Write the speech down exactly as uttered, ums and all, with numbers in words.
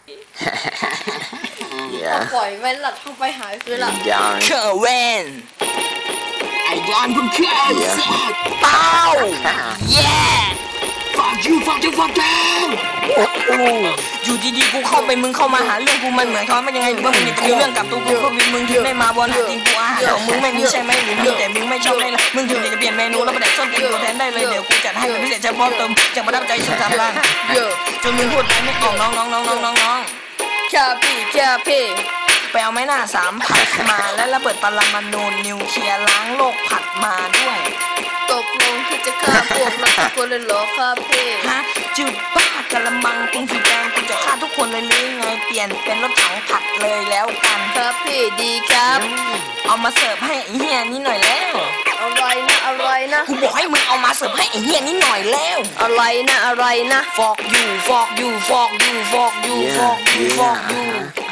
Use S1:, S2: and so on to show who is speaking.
S1: ปล่อยแม่หลัดเข้าไปหายคือละ
S2: John
S3: เคอร์เวน
S4: ไอ้ยอนเพิ่งเคลื่อนเสร็จ
S3: เป้าแย่
S4: ฝากยูฝากยูฝากแกง
S3: อยู่ดีๆกูเข้าไปมึงเข้ามาหาเรื่องกูมันเหมือนเขาไม่ยังไงหรือว่ามึงอยากจะมีเรื่องกับตัวกูก็มีมึงถึงไม่มาบอลหากินกูอาหารของมึงไม่มีใช่ไหมหรือมีแต่มึงไม่ชอบได้ละมึงถึงอยากจะเปลี่ยนเมนูแล้วมาแดกส้มตีนกูแทนได้เลยเดี๋ยวกูจัดให้เป็นพิเศษเฉพาะเติมจะมาดับใจสุดสำราญจนมึงพูดไปไม่ออกน้องน้องน้องน้องน้องน้อง
S1: แค่พี่แค่พี่
S3: ไปเอาไม้หน้าสามผัดมาและระเบิดปรมาณูนิวเคลียร์ล้างโลกผัดมาด้วย
S1: ตกลงที่จะฆ่าพวกเราทุกคนเลยเหรอครับพี่
S3: ฮะจุดบ้ากระมังกุ้งสีแดงกูจะฆ่าทุกคนเลยหรือไงเปลี่ยนเป็นรถถังผัดเลยแล้วกัน
S1: ครับพี่ดีครับ
S3: เอามาเสิร์ฟให้ไอ้เฮียนี่หน่อยแล้ว
S1: อะไรนะอะไรนะ
S3: กูบอกให้มึงเอามาเสิร์ฟให้ไอ้เฮียนี่หน่อยแล้ว
S1: อะไรนะอะไรนะ
S3: ฟอกอยู่ฟอกอยู่ฟอกอยู่ฟอกอยู่ฟอกอยู่ฟอกอยู่